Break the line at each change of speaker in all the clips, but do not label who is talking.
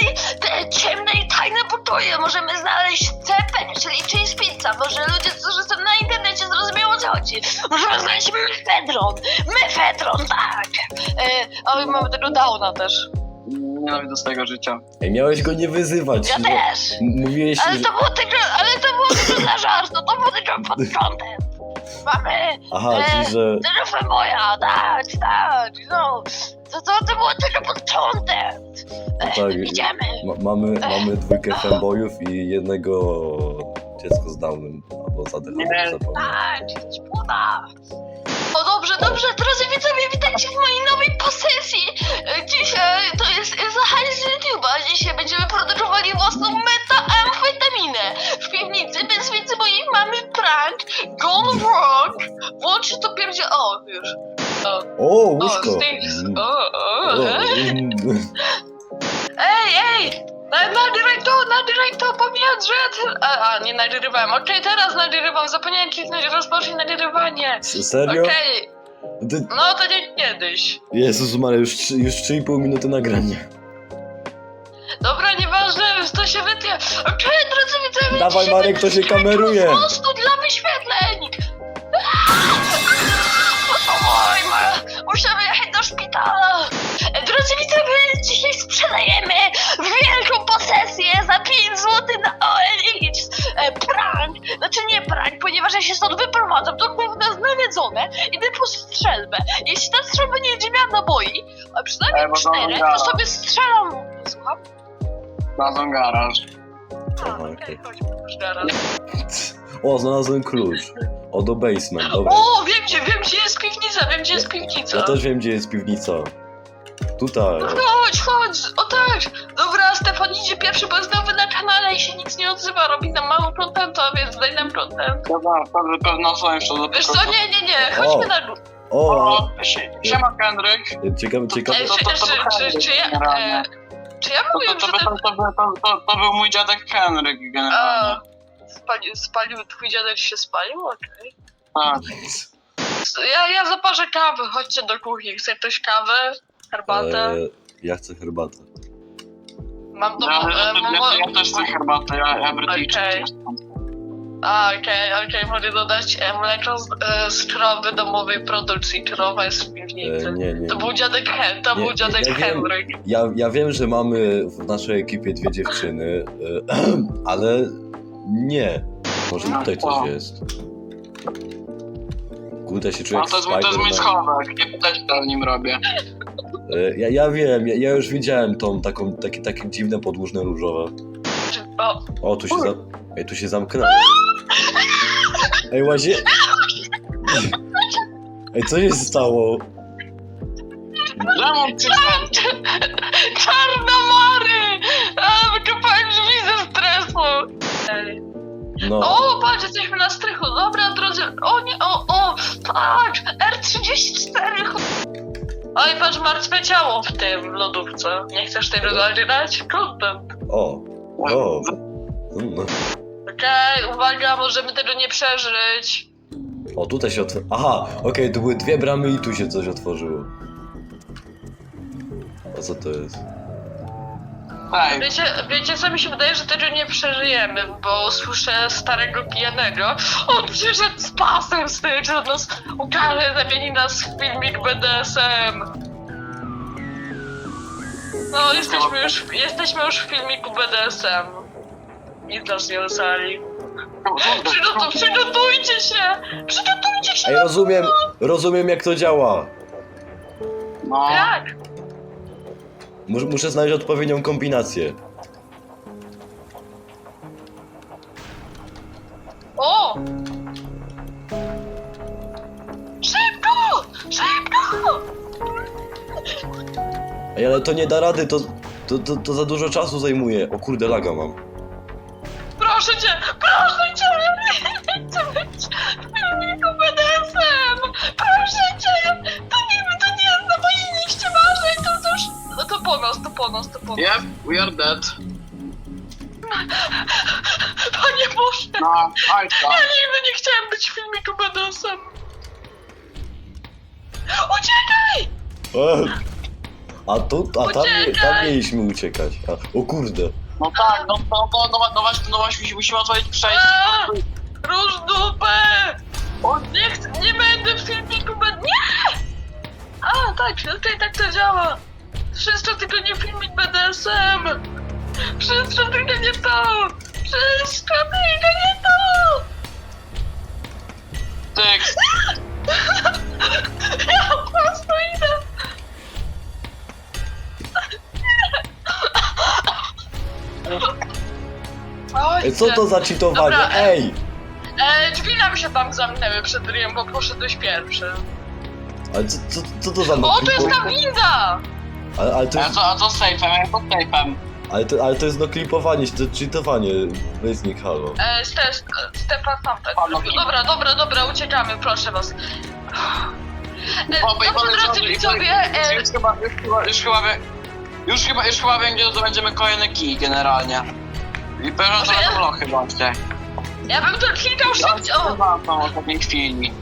te ciemne i tajne pokoje możemy znaleźć CP, czyli Cheese Pizza. Może ludzie, którzy są na internecie, zrozumieją, o co chodzi. Możemy znaleźć mefedron, tak. O, mamy tego Downa też.
Nienawidzę swojego życia.
Ej, miałeś go nie wyzywać.
Ja
no.
też.
Mówiłeś,
Ale
że...
to było tylko dla żartu, to było tylko pod kątem. Mamy
Aha, czyli że...
telefon moja, tak, no. To było tylko pod kątem.
tak,
Idziemy.
Mamy dwójkę fanboyów i jednego dziecko z Downem. Albo
Nie.
zapomniałem.
Tak, szkoda. O dobrze, drodzy widzowie, witajcie w mojej nowej posesji. Dzisiaj to jest Zachary z YouTube'a. Dzisiaj będziemy produkowali własną metamfetaminę w piwnicy, bez wiedzy mojej mamy prank gone wrong. Włączy to pierdzie... O, już.
O, łóżko!
Sticks.
O,
Ej! Nagrywaj to, pomijać, że... nie nagrywałem. Okej, teraz nagrywam, zapomniałem kliknąć rozpocznij nagrywanie.
Serio?
Okej,
Ty...
no to nie kiedyś.
Jezus Maria, już 3,5 minuty nagrania.
Dobra, nieważne, to się wytnie. Okej, drodzy widzowie,
Dawaj,
dzisiaj
Marek, to się
będzie
kameruje.
Po prostu dla wyświetleń. Oj, musimy jechać do szpitala. Drodzy widzowie, dzisiaj sprzedajemy wielką posesję za 5 zł na OLX. Prank, znaczy nie prank, ponieważ ja się stąd wyprowadzam, to główne nawiedzone, idę po strzelbę. Jeśli ta strzelba nie będzie miała naboi, a przynajmniej 4, to sobie strzelam. Słucham?
Znalazłem garaż.
Aha,
Okej,
okej.
chodźmy już teraz.
O, znalazłem klucz. O, do basement, dobra.
O, wiem gdzie jest piwnica,
Ja też wiem, gdzie jest piwnica. Tutaj.
No chodź, o tak. Dobra, Stefan idzie pierwszy, bo jest nowy na kanale i się nic nie odzywa, robi nam mało contentu, więc daj nam content.
Dobra, pewno są jeszcze do
Wiesz co, nie, chodźmy na górę.
O,
Siema Henryk.
ciekawe.
Czy ja mówiłem, że
To był mój dziadek Henryk generalnie.
Spalił, twój dziadek się spalił? Okej.
Tak.
Ja zaparzę kawę, chodźcie do kuchni, chce ktoś kawę? Herbatę?
Ja chcę herbatę.
Mam do...
Ja też chcę herbatę, ja Brytyjczyk
Okej.
jestem.
Okej, mogę dodać mleko z krowy domowej produkcji. Krowa jest w piwnicy.
Nie.
To był dziadek
ja wiem.
Henryk.
Ja wiem, że mamy w naszej ekipie 2 dziewczyny, ale nie. Może tutaj coś jest. Kurde, się czuję
No
jak
to jest mój
Spider-Man.
schowek, nie pytać co w nim robię.
Ja wiem, ja już widziałem takie dziwne podłużne różowe. O, tu się zamknęło. Ej, łazie... Ej, co się stało?
Lemon przyszedł.
Czarnomary! Wykopałem drzwi ze stresu!
No,
O, patrz, jesteśmy na strychu. Dobra, drodzy. O nie, patrz! R34. Oj, patrz, martwe ciało w tym w lodówce. Nie chcesz tego zagrać? Content.
o. No.
Okej, uwaga, możemy tego nie przeżyć.
O, tutaj się otworzyło. Aha, okej, to były 2 bramy i tu się coś otworzyło. A co to jest?
Ej,
Wiecie co mi się wydaje, że tego nie przeżyjemy, bo słyszę starego pijanego. On przyszedł z pasem z tym, że nas ukarze, zamieni nas w filmik BDSM. No, jesteśmy już w filmiku BDSM. Nic nas nie ocali. Przygotujcie się!
Ej, rozumiem jak to działa.
no.
Jak?
Muszę znaleźć odpowiednią kombinację.
O! Szybko!
Ej, ale to nie da rady, to za dużo czasu zajmuje. O kurde, laga mam.
Proszę cię! Ja nie chcę być w filmiku BDSM! Proszę cię! To nie jest na mojej liście marzeń, to już... No to po nas.
Yep, we are dead.
Panie Boże!
No, Ajka.
Ja nigdy nie chciałem być w filmiku BDSM! Uciekaj!
tam mieliśmy uciekać. O kurde.
No tak, no właśnie, musimy otworzyć przejście.
Róż dupę! Nie będę w filmiku, nie! A, tak, tutaj tak to działa. Wszystko tylko nie filmik BDSM. Wszystko tylko nie to. Wszystko tylko nie to.
Tyk.
Ja po prostu idę. Oj,
Co to za cheatowanie?
Dobra,
Ej!
drzwi nam się tam zamknęły przed ryjem, bo poszedłeś pierwszy.
Ale co to za
O, tu jest ta winda!
Ale to jest...
A co z sejfem? Ja pod sejfem.
Ale to jest noklipowanie, to cheatowanie. Weźnik, halo.
Stefan tamten. Dobra, uciekamy, proszę was. Drodzy widzowie,
Już chyba wiem, gdzie zdobędziemy kolejny kij generalnie. I pewno to będą lochy właśnie.
ja bym to klikał szybciej. O!
W ostatniej chwili.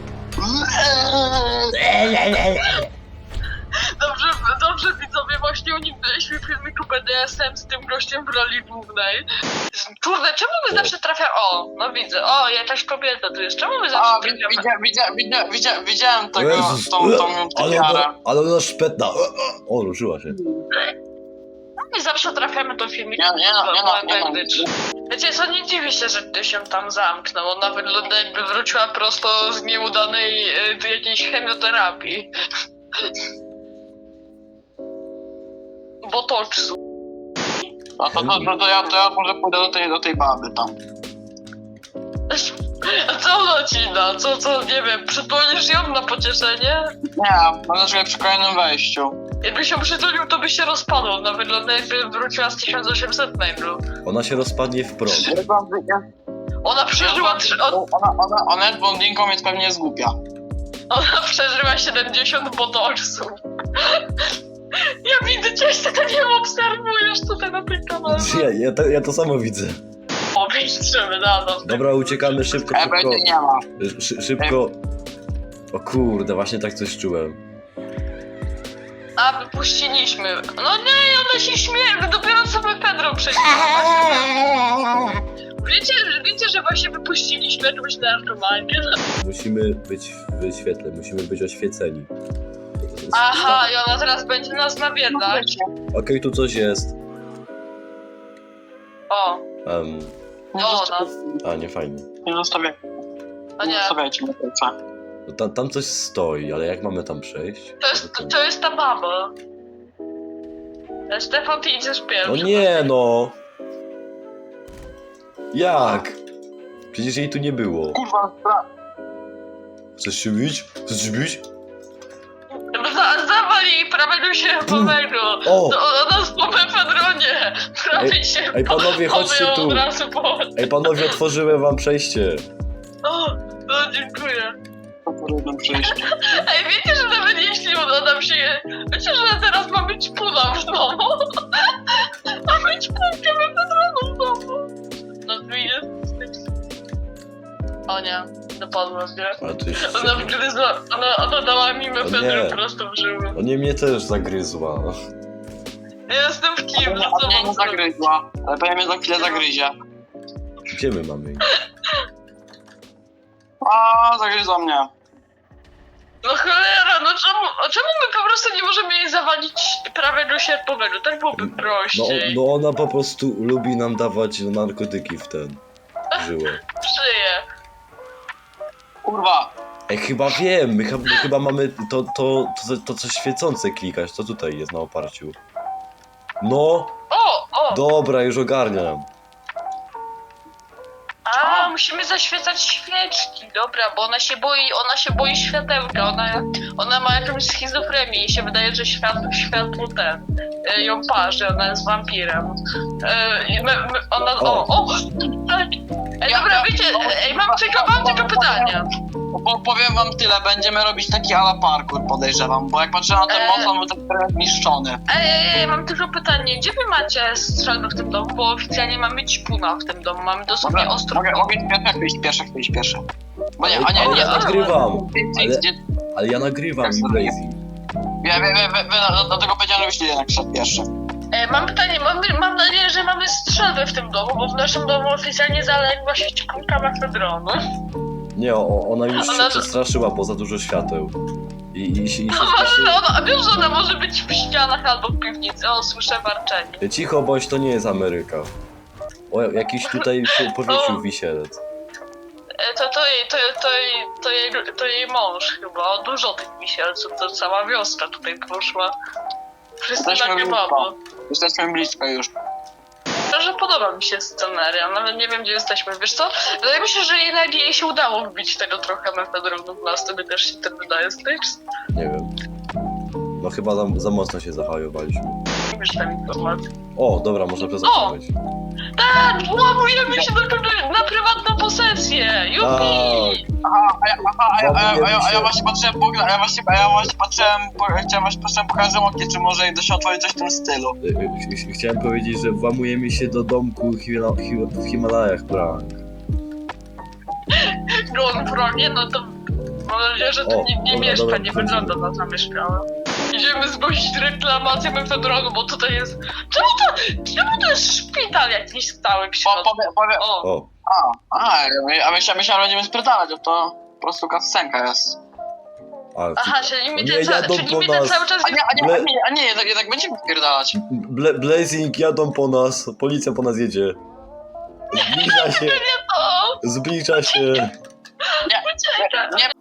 Dobrze widzowie, właśnie uniknęliśmy filmiku BDSM z tym gościem w roli głównej. Kurde, czemu my zawsze trafiamy... O, no widzę, o, jakaś kobieta tu jest, czemu my zawsze trafiamy...
Widziałem tego,
Jezus,
tą typiarę.
ale ona szpetna. O, ruszyła się.
My zawsze trafiamy do filmiku
Nie.
Wiecie co, nie dziwi się, że ty się tam zamknął, ona wygląda jakby wróciła prosto z nieudanej jakiejś chemioterapii. Botoksu.
To ja może pójdę do tej baby tam.
A co ona ci da? Co, nie wiem, przytulisz ją na pocieszenie?
Nie, mam nadzieję przy kolejnym wejściu.
Jakby się przytulił, to by się rozpadł. Ona wygląda jakby wróciła z 1800 mailu.
Ona się rozpadnie w prąd.
Ona przeżyła...
Ona jest blondynką, więc pewnie jest głupia.
Ona przeżyła 70 botoksów. Ja widzę cię, że tak ją obserwujesz tutaj na tej kamerze.
Ja to samo widzę.
Powiększymy na nas.
Dobra, uciekamy szybko.
Będzie nie ma.
Szybko. O kurde, właśnie tak coś czułem.
A, wypuściliśmy. No nie, ona się śmieje, dopiero co my Pedro przejdziemy. Wiecie, że właśnie wypuściliśmy jakąś narkomankę?
Musimy być w świetle, musimy być oświeceni.
Aha, i ona teraz będzie nas nawiedzać.
Okej, tu coś jest.
O,
Nie fajnie.
Nie
o nie.
zostawiajcie mnie końca.
No, tam coś stoi, ale jak mamy tam przejść?
To jest ta baba. Stefan, ty idziesz pierwszy.
No nie no! Jak? Przecież jej tu nie było.
Kurwa,
Chcesz się bić? Chcesz się bić?
Zawal jej prawego sierpowego.
O!
Ona z po Pedronie. Prawie się.
Ej panowie, chodźcie tu.
Od razu po...
Ej panowie, otworzyłem wam przejście.
O, no dziękuję.
jedno przejście.
Ej, wiecie, że nawet jeśli uda nam się... Wiecie, że teraz ma być puna w domu? Ma być punkę we Pedronu w domu. No tu jest... O nie, dopadła mnie.
Ale to jest...
Ona wgryzła, ona dała mi
O
mefedrę
nie.
prosto w żyły.
O nie, mnie też zagryzła.
Ja jestem w kiblu, co
Mnie
mam
nie
zrobić?
zagryzła, ale pewnie mnie za chwilę zagryzie.
Gdzie my mamy iść?
A, zagryzła mnie.
No cholera, no czemu my po prostu nie możemy jej zawalić prawego sierpowego? Tak byłoby
No,
prościej.
no ona po prostu lubi nam dawać narkotyki w ten... żyłę.
Przyję.
Kurwa.
Ej, chyba wiem, my chyba mamy to coś świecące klikać, to tutaj jest na oparciu. No,
O!
dobra, już ogarniam.
A, musimy zaświecać świeczki, dobra, bo ona się boi światełka, ona ma jakąś schizofrenię, jej się wydaje, że światło ją parzy, ona jest wampirem. Tak. Ej, dobra, wiecie, mam tylko pytanie.
Powiem wam tyle, będziemy robić taki ala parkour, podejrzewam, bo jak patrzę na ten most, on był tak trochę zniszczony.
Ej, mam tylko pytanie, gdzie wy macie strzelby w tym domu, bo oficjalnie mamy ćpuna w tym domu, mamy dosłownie ostro...
Mogę iść pierwszy. Bo nie,
Ale ja nagrywam,
Ty,
ale ja nagrywam,
Tak,
Blazy.
Dlatego powiedziałem, żebyś jednak szedł pierwszy.
Mam pytanie, mam nadzieję, że mamy strzelbę w tym domu, bo w naszym domu oficjalnie zaległa siecikulka mefedronu.
Nie, ona już
Ona-
się przestraszyła, bo za dużo świateł. I się
A wiesz, że ona może być w ścianach albo w piwnicy. O, słyszę warczenie.
Cicho bądź, to nie jest Ameryka. O, jakiś tutaj się powiesił wisielec.
To jej mąż chyba. O, dużo tych wisielców, to cała wioska tutaj poszła. Wszyscy
Jesteśmy
na
blisko.
kebabu.
Jesteśmy blisko już.
Że podoba mi się sceneria, nawet nie wiem, gdzie jesteśmy. Wiesz co? Wydaje mi się, że jednak jej się udało wbić tego trochę mefedronu w nas, tobie też się tak wydaje, Styx?
Nie wiem. No chyba za mocno się zahajowaliśmy.
Nie wiesz tam informacji.
O, dobra, można prezentować.
Tak, włamujemy się na prywatną posesję! Jupi!
A ja właśnie patrzyłem, chciałem pokazać Łokie, czy może da się otworzyć coś w tym stylu.
Chciałem powiedzieć, że włamujemy się do domku w Himalajach, prank.
Gon Fronie, no to mam nadzieję, że to
O,
nie
dobra,
mieszka,
dobra,
nie
wchodzimy.
wygląda na zamieszkałe. Idziemy zgłosić reklamację mefedronu, bo tutaj jest... Czemu to jest szpital jakiś stały w środku? O,
O,
A myślałem, że będziemy sprzedalać, to po prostu kascenka jest.
ale
aha, czyli mi
nie,
ten,
jadą
czyli
po
mi ten
nas.
cały czas...
Jednak będziemy wpierdalać.
Blazing jadą po nas, policja po nas jedzie. Zbliża się,
O,
zbliża się.
ucieka.
Nie,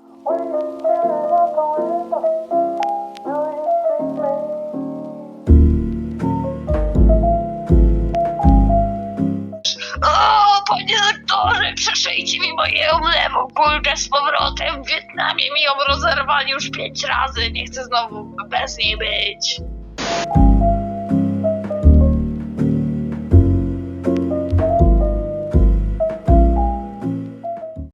O, panie doktorze, przeszyjcie mi moją lewą kulkę z powrotem. W Wietnamie mi ją rozerwali już 5 razy. Nie chcę znowu bez niej być.